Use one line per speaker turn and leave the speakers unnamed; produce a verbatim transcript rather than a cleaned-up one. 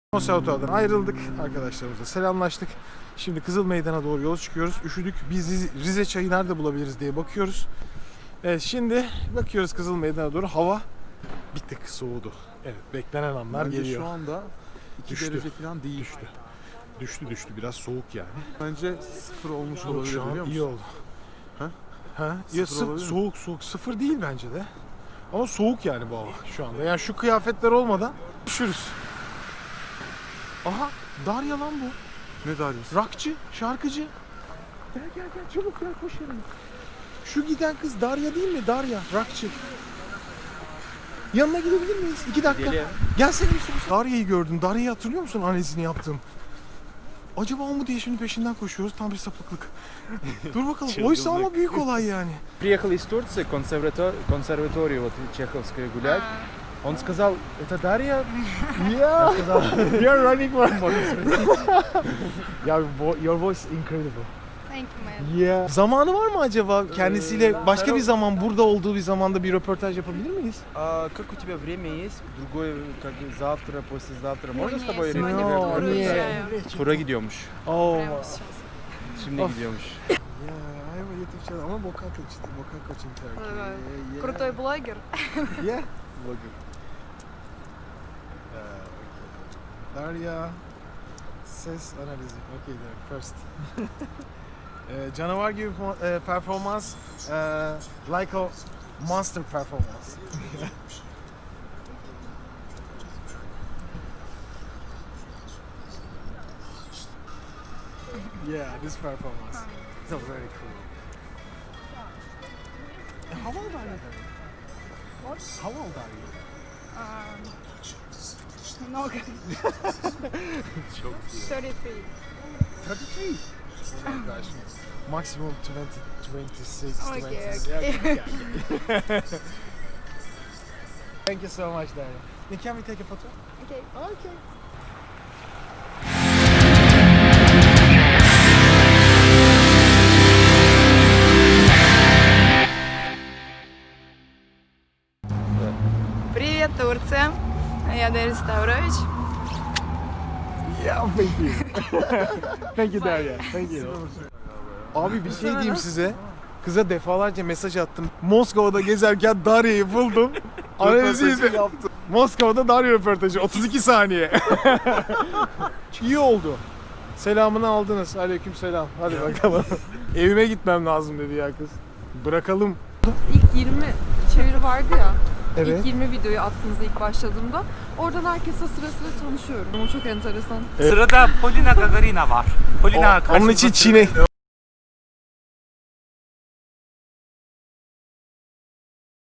Konservatuvardan ayrıldık. Arkadaşlarımızla selamlaştık. Şimdi Kızıl Meydan'a doğru yola çıkıyoruz. Üşüdük. Biz Rize, Rize çayı nerede bulabiliriz diye bakıyoruz. Evet, şimdi bakıyoruz Kızıl Meydan'a doğru. Hava bir tık soğudu. Evet, beklenen anlar
Bence
geliyor.
şu anda iki
Düştü.
derece falan değil.
Düştü. Düştü düştü. Biraz soğuk yani.
Bence sıfır olmuş
Yok,
olabilir
şu an
biliyor musun?
iyi oldu.
Ha?
Ha? Ya
Sıfır
sı-
olabilir mi?
soğuk soğuk. Sıfır değil bence de. Ama soğuk yani bu hava şu anda. Yani şu kıyafetler olmadan üşürüz. Aha, Darya lan bu.
Ne Darya'sı?
Rockçı, şarkıcı. Gel gel gel çabuk gel koş yanıma. Şu giden kız Darya değil mi? Darya, rockçı. Yanına gidebilir miyiz? İki dakika.
Gidelim.
Gelsene bir soru. Darya'yı gördüm. Darya'yı hatırlıyor musun annesini yaptım? Acaba o mu diye şimdi peşinden koşuyoruz. Tam bir sapıklık. Dur bakalım. Oysa ama büyük olay yani.
Приехал из Турции, консерватор... консерваторию вот чеховской гулять. Он сказал, это Дарья?
Yeah. You're running for Ya your voice incredible.
Thank you, man.
Yeah. Zamanı var mı acaba kendisiyle başka bir zaman burada olduğu bir zamanda bir röportaj yapabilir miyiz?
А как у тебя время есть? Другое, как завтра, послезавтра. Можно с
Нет,
тобой
сегодня
No,
в тур
нет.
уезжаю.
Tura gidiyormuş.
Oh.
Прямо сейчас.
Şimdi
Of.
gidiyormuş.
Ya, ayva YouTube channel ama vokal coaching, vokal coaching Turkey.
Ага.
Yeah.
Крутой блогер.
Yeah. Vlogger. Uh, okay. Darya ses analizi. Okay, there first. uh, canavar gibi uh, performans, uh, like a monster performance. Yeah, this performance. It's very cool. How old are you? Darya?
What?
How old are you?
Um, Много. thirty-three.
thirty-three. Oh gosh. Maximum twenty, twenty-six,
Okay,
twenty.
okay.
Yeah, yeah, yeah. Thank you so much, Darya. Can we take a photo?
Okay.
Okay.
Привет, Турция. Я Дарья Ставрович.
Yeah, thank you. Thank you, Darya. Thank you. Abi bir şey diyeyim size. Kıza defalarca mesaj attım. Moskova'da gezerken Darya'yı buldum. Analizi izle. Moskova'da Darya röportajı. otuz iki saniye. İyi oldu. Selamını aldınız. Aleyküm selam. Hadi bakalım. Evime gitmem lazım dedi ya kız. Bırakalım.
İlk yirmi çeviri vardı ya.
Evet.
İlk yirmi videoyu attığınızda ilk başladığımda oradan herkesle sıra sıra tanışıyorum. O çok enteresan.
Sırada Polina Gagarina var. Polina
O- onun için Çin'e